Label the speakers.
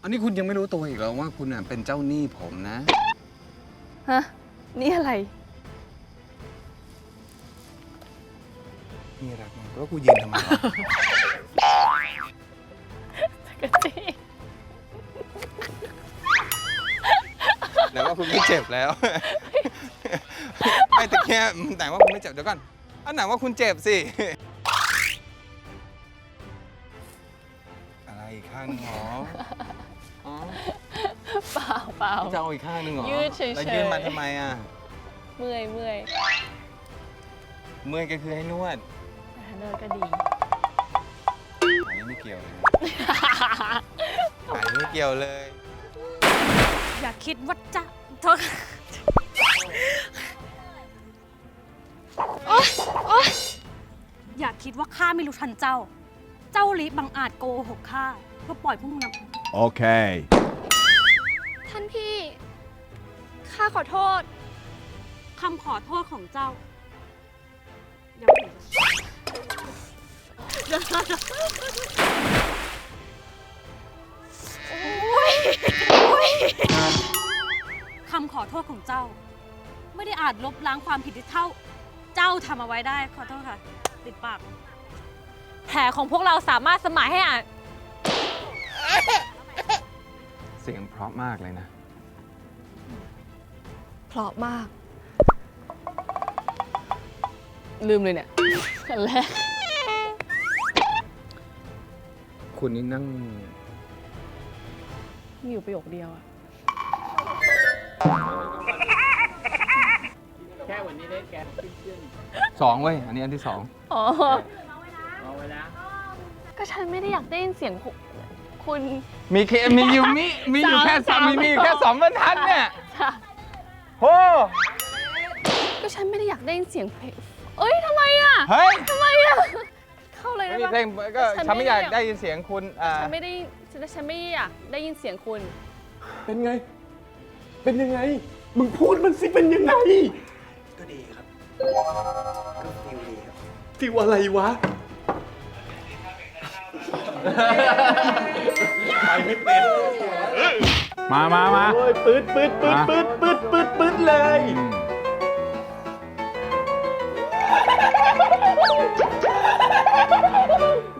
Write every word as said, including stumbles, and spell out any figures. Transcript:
Speaker 1: นนี้คุณยังไม่รู้ตัวอีกเหรอว่าคุณน่ะเป็นเจ้าหนี้ผมนะ
Speaker 2: ฮะ นี่อะไร
Speaker 1: นี่รักมากแล้วกูยืนทำไมวะ
Speaker 2: กะจี้
Speaker 1: ไหนว่าคุณไม่เจ็บแล้ว ไม่แต่แค่ไหนว่าคุณไม่เจ็บเดี๋ยวก่อนอันไหนว่าคุณเจ็บสิ อะไรอีกข้างหนึงหรออ๋อ
Speaker 2: เปล่าเปล่า
Speaker 1: จะเอาอีกข้างหนึงเหรอ
Speaker 2: ยืดเฉยๆ
Speaker 1: แล้วยืดมาทำไมอ่ะ
Speaker 2: เมื่อยเมื่อย
Speaker 1: เมื่อยก็คือให้นวด
Speaker 2: แต่ถ้าเดินก็ดี
Speaker 1: อันนี้ไม่เกี่ยวเลยนะอันนี้ไม่เกี่ยวเลย
Speaker 3: อย่าคิดว่าจะโทษโอ๊ยโอ๊ยอย่าคิดว่าข้าไม่รู้ทันเจ้า เจ้าลิบังอาจโกหกข้าเพื่อปล่อยพวกมึงนะ
Speaker 4: Okay.
Speaker 5: ท่านพี่ ข้าขอโทษ
Speaker 3: คำขอโทษของเจ้ายังไม่ถึงคำขอโทษของเจ้า ไม่ได้อาจลบล้างความผิดที่เท่า เจ้าทำเอาไว้ได้ขอโทษค่ะ ติดปาก
Speaker 2: แผลของพวกเราสามารถสมานให้อ่าน
Speaker 1: เสียงเพราะมากเลยนะ
Speaker 2: เพราะมาก ลืมเลยเนี่ยอันแรก
Speaker 1: คุณนี่นั่ง
Speaker 2: มีอยู่ประโยคเดียวอะ
Speaker 1: สองเว้ย อันนี้อันที่สอง
Speaker 2: อ๋อก็ฉันไม่ได้อยากได้ยินเสียงคุณคุณ
Speaker 1: มีเคมีอยู่มีมีอยู่แค่สามมีมีอยู่แค่สองบรรทัดเนี่ย
Speaker 2: ค่ะ
Speaker 1: โอ้
Speaker 2: ก็ฉันไม่ได้อยากได้ยินเสียงเพลงเอ้ยทำไมอะ
Speaker 1: เฮ้ย
Speaker 2: ทำไมอะเข้าเลย
Speaker 1: ไม่
Speaker 2: ได้
Speaker 1: มี
Speaker 2: ปะ
Speaker 1: เพลงก็
Speaker 2: ฉัน
Speaker 1: ฉันไม่
Speaker 2: ไม่
Speaker 1: อยาก
Speaker 2: อยาก
Speaker 1: ได้ยินเสียงคุณอ่า
Speaker 2: ฉันไม่ได้ฉันฉันไม่อยากได้ยินเสียงคุณ
Speaker 4: เป็นไง เป็นยังไง มึงพูดมันสิเป็นยังไง
Speaker 6: ก็ดีครับ ก็ฟิลดีครับ
Speaker 4: ฟิวอะไรวะ ไปไม่เป็น
Speaker 7: มามามา
Speaker 4: โอ้ยปืดปืดปืดปืดปืดปืดปืดเลย
Speaker 7: ม